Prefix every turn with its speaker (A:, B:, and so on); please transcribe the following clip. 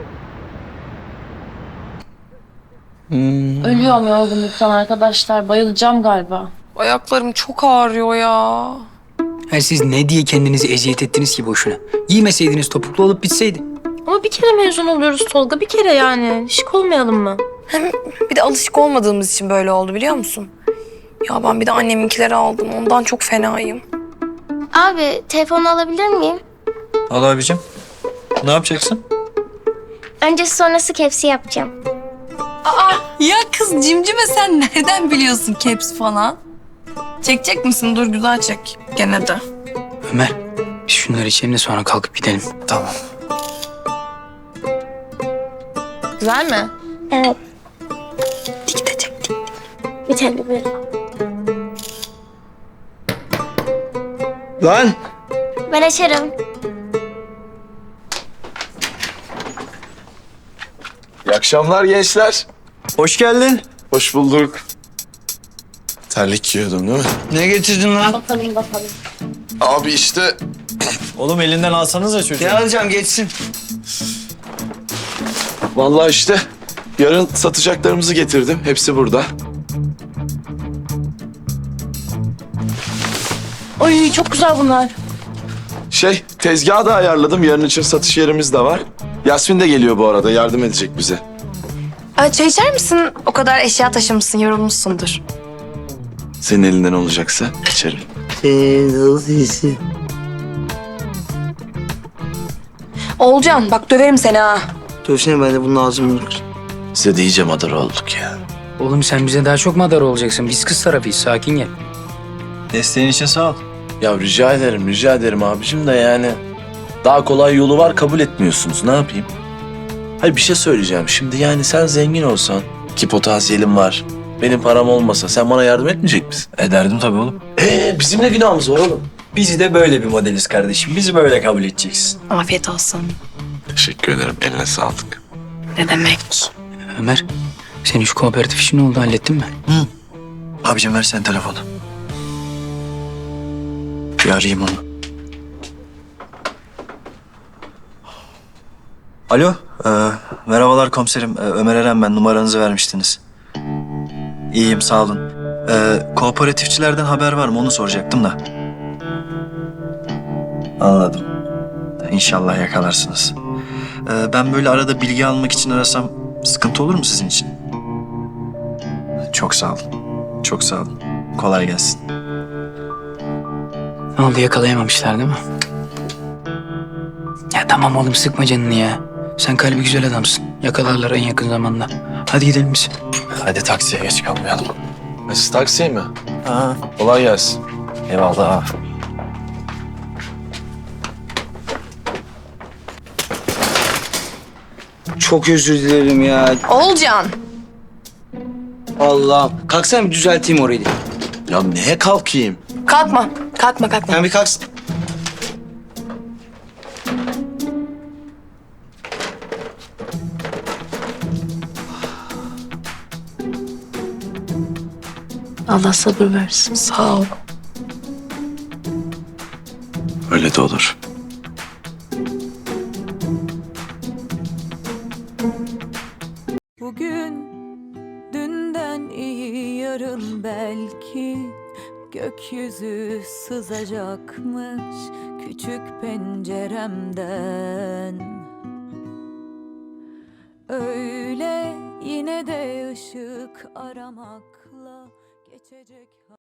A: Ölüyorum yorgunluktan arkadaşlar. Bayılacağım galiba.
B: Ayaklarım çok ağrıyor ya.
C: Ha, siz ne diye kendinizi eziyet ettiniz ki boşuna? Giymeseydiniz topuklu olup bitseydi.
A: Ama bir kere mezun oluyoruz Tolga. Bir kere yani. Şık olmayalım mı?
B: Hem bir de alışık olmadığımız için böyle oldu biliyor musun? Ya ben bir de anneminkileri aldım. Ondan çok fenayım.
D: Abi telefonu alabilir miyim?
E: Al abicim. Ne yapacaksın?
D: Öncesi sonrası kepsi yapacağım.
B: Ya kız cimcime sen nereden biliyorsun caps falan? Çekecek misin? Dur güzel çek. Gene de.
C: Ömer, biz şunları içelim de sonra kalkıp gidelim.
E: Tamam.
B: Güzel mi?
D: Evet,
B: Dik de çek. Dik.
D: bir tane böyle.
E: Lan!
D: Ben açarım.
F: İyi akşamlar gençler.
E: Hoş geldin.
F: Hoş bulduk. Terlik giyiyordum değil mi?
E: Ne getirdin lan?
A: Bakalım bakalım.
F: Abi işte
E: Oğlum elinden alsanıza çocuğu. Ne alacağım geçsin.
F: vallahi işte yarın satacaklarımızı getirdim. Hepsi burada.
A: Ay çok güzel bunlar.
F: Tezgahı da ayarladım. Yarın için satış yerimiz de var. Yasmin de geliyor bu arada. Yardım edecek bize.
B: Çay içer misin? O kadar eşya taşımışsın, yorulmuşsundur.
F: Senin elinden olacaksa içerim.
B: Olcan bak döverim seni ha.
G: Dövsene ben de bunun ağzını kır.
F: Size de iyice madara olduk ya.
C: Oğlum sen bize daha çok madar olacaksın. Biz kız tarafıyız, sakin gel.
E: Desteğin için sağ ol.
F: Ya rica ederim abicim de yani. Daha kolay yolu var, kabul etmiyorsunuz. Ne yapayım? Hayır, bir şey söyleyeceğim. Şimdi yani sen zengin olsan ki potansiyelim var. Benim param olmasa sen bana yardım etmeyecek misin?
E: Ederdim tabii oğlum.
F: Bizim ne günahımız var oğlum?
E: Biz de böyle bir modeliz kardeşim. Bizi böyle kabul edeceksin.
B: Afiyet olsun.
F: Teşekkür ederim. Eline sağlık.
B: Ne demek?
C: Ömer, senin şu kooperatif işi ne oldu, hallettin mi?
E: Abicim ver sen telefonu. Bir arayayım onu. Alo, merhabalar komiserim. Ömer Eren ben. Numaranızı vermiştiniz. İyiyim, sağ olun. Kooperatifçilerden haber var mı? Onu soracaktım da. Anladım. İnşallah yakalarsınız. Ben böyle arada bilgi almak için arasam sıkıntı olur mu sizin için? Çok sağ olun. Çok sağ olun. Kolay gelsin.
C: Ne oldu, yakalayamamışlar değil mi? Ya tamam oğlum, sıkma canını ya. Sen kalbi güzel adamsın. Yakalarlar en yakın zamanda. Hadi gidelim biz.
E: Hadi taksiye geç kalmayalım.
F: Siz taksiye mi?
E: Ha,
F: Kolay gelsin.
E: eyvallah.
G: Çok özür dilerim ya.
B: Olcan.
G: Allah'ım. Kalksana bir düzelteyim orayı.
F: Ya neye kalkayım?
B: Kalkma. Kalkma.
G: Sen bir kalksın.
A: Allah sabır versin.
B: Sağ ol.
F: Öyle de olur.
H: Bugün dünden iyi yarın belki gökyüzü sızacakmış küçük penceremden. Öyle yine de ışık aramakla geçecek.